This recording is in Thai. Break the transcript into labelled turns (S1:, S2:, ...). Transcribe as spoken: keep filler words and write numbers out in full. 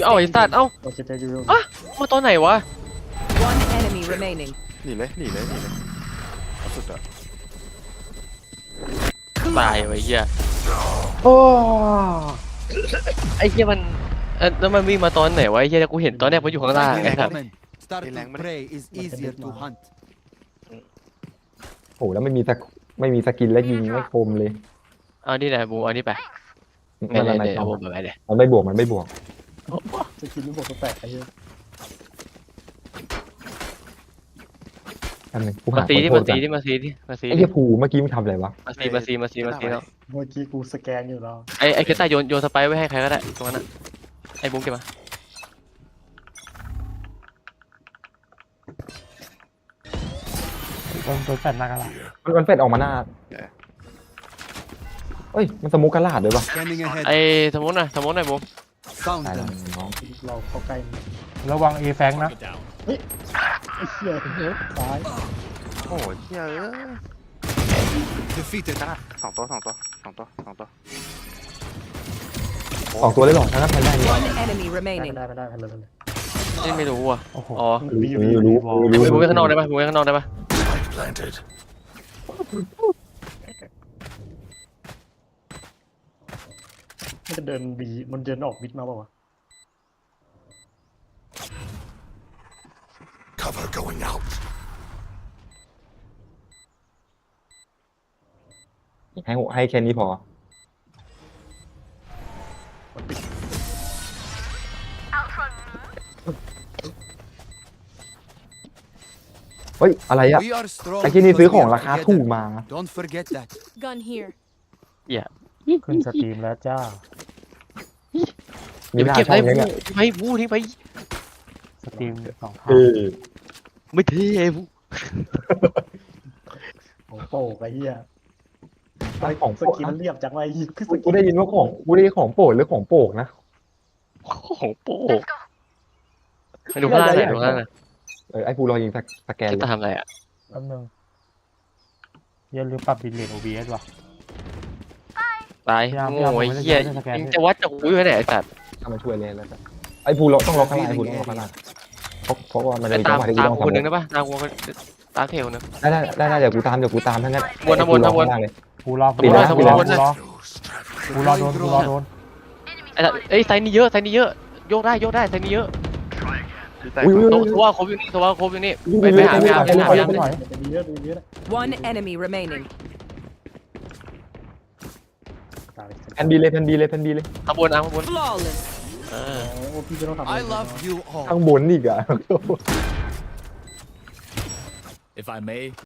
S1: เอ้าไอ้สัตว์เอ้า
S2: โอเคใจยูโร
S1: อ่ะมาตอนไหนวะ
S3: One enemy remaining.
S4: หนีเลยหนีเลยหนีเลยเอาสุดอะ
S1: ตายไว้เหี้ย
S2: โอ้
S1: ไอ้เหี้ยมันเออแล้วมันวิ่งมาตอนไหนวะไอ้เหี้ยกูเห็นตอนแรกมันอยู่ข้างล่างไอ้สัตว์
S5: Start to prey is easier to hunt.
S6: โอ้แล้วไม่มีสกไม่มีสกินและยิงไม่คมเลย
S1: เอานี่แหละบูเอานี่ไป
S6: นั่น
S1: ไม่
S6: อะไร
S1: ได้
S6: ต่อ
S1: เอาบูไปเลย
S6: มันไม่บวกมันไม่บวก
S2: จะกินลูกบอลแปลกไอ้เหี้ย
S6: อันหนึงกู
S1: มา
S6: หา
S1: ซี
S6: คน
S1: ที่
S6: โท
S1: มา
S6: ษ
S1: ซี
S6: กัน
S1: ที่มาซีที่มาซี
S6: ไอ้เหี้ยภูเมื่อกี้มึงทำอะไรวะ
S1: มาซีมาซีมาซีมาซีเนาะ
S2: เมื่อกี้กูสแกนอยู่แล้ว
S1: ไอ้ไอ้เคต้าโยนโยนสไปร์ไว้ให้ใครก็ได้ตรงนั้นน่ะไอ้บูมเก็บมา
S7: โดนโดนแฟนหน้ากันละ
S6: มันมันเป็ดออกมาหน้าเอ้ยมันสมุกกระลาดด้วยวะ
S5: Scanning ahead.
S1: ไอ้สมมติหน่อยสมมติหน่อยบูม
S5: Found
S6: ตายแล้ว
S5: them.
S6: น้อง
S2: เราเข้าใกล้มัน
S7: ระวังเอแฟงนะ
S2: ไอ้เหี้ยซ้าย
S4: โอ้ยเฮียเอ้ย
S5: Defeated.
S4: จ้าสองตัวสองตัวสองตัวสองตัว
S6: สองตัวเลยเหรอถ้างั้นแพนได้ดี
S3: One enemy
S2: ได้
S3: remaining.
S2: ไม่ได้ไม่ได้ไปเลยไปเลย
S1: นี่ไม่รู้อ่ะ
S7: โอ้โห
S1: อ๋อ
S2: บี
S6: รู้
S2: บี
S6: รู้รู้
S1: ไอ้
S6: รู้
S1: บูมไปข้างนอกได้ปะบูมไปข้างนอกได้ปะ
S2: มันจะเดินบีมันเดินออกบิดมาเปล่าวะ
S8: Cover going out.
S6: ให้ให้แค่นี้พอ
S2: มันปิด
S6: เฮ้ยอะไรอะ
S5: We are strong.
S6: ไอ้ที่นี่
S5: because
S6: ซื้อ
S5: we
S6: ของ
S5: are
S6: ราคา
S5: together.
S6: ถูกมา
S5: Don't forget that.
S3: Gun here.
S7: ขึ้นสตรีมแล้วจ้า
S6: มี
S1: อย่าไป
S6: หน้า
S1: เก็บ
S6: ช่อ
S1: ไอ้
S6: ง
S1: บู
S6: นี้
S1: ม
S6: เนี่ย
S1: ไปบูทิ้งไป
S7: สตรีมสองเท่า
S6: เออ
S1: ไม่เท่ไอ้บู
S2: ของโป่งไอ้เหี้ย
S6: ของ
S2: ส
S6: โปรด
S2: กินเรียบจังไว้ยิงคือส
S6: กู
S2: กิน
S6: ได้ยินว่าของกูได้ยินของโปรดหรือของโปรกนะ
S1: ของโป้ไปดูข้างล่างหน่อยดูข้างล่างหน่อย
S6: เออไอ้ภูรอยิงสแกน
S1: จะ
S6: เลย
S1: ทำอะไรอ่ะ
S7: แป๊บนึงอย่าลืมปรับบิลเลต โอ บี เอส ว่ะ
S1: ตาย
S7: พยายาม
S1: โง่ไอ้
S7: พยายาม
S1: เหี้ย
S7: ไม่ได้สแกน
S1: ยังจะวัดจากอุ้ยไว้ไหนไอ้สัตว์
S6: เข้ามาช่วยเลยแล้วกันไอ้ภูเราต้องล็อกข้างล่างไอ้ภูต้องล็อกข้างล่างเพราะเพราะว่ามันจะ
S1: ไป
S6: มีจั
S1: ตาง ม
S6: หวะที่กู
S1: ตาม
S6: ต้อง
S1: คนหนึ่ง
S6: ทำ
S1: ได้ปะตามคนตามเทลนึง
S6: ได้ได้ได้ได้เดี๋ยวกูตามเดี๋ยวกูตามทั้งนั้น
S1: วนนะวนนะวน
S6: ไอ้ภูรอข้างล่างเลย
S7: กูรอ
S1: ปิดแล้ว
S7: กูรอ
S1: ปิดแล้ว
S7: กูรอกูรอโดนกูรอโดน
S1: ไอ้สัตว์เอ้ยไซส์นี้เยอะไซส์นี้เยอะโยกได้โยกได้ไซส์นี้เยอะ
S4: ดีใจ
S6: อุ้ยอุ้ย
S1: โต
S6: อุ้ย
S1: ตัวครบอยู่นี่ตัวครบอยู่นี่
S6: อุ้ย
S1: ไปไปหาไปหาไปหาไปหา
S7: หน่อย
S2: จะดีเยอะดีเยอะ
S3: One enemy remaining.
S2: ตาย
S6: แพนบีเลยแพนบีเลยแพนบีเลย
S1: ขบวนอ่ะขบวน
S3: Flawless.
S1: เออ
S2: โอ้พี่จะต้องทำ
S5: I love you all.
S6: ข้างบนอีกอ่ะ
S8: If I may,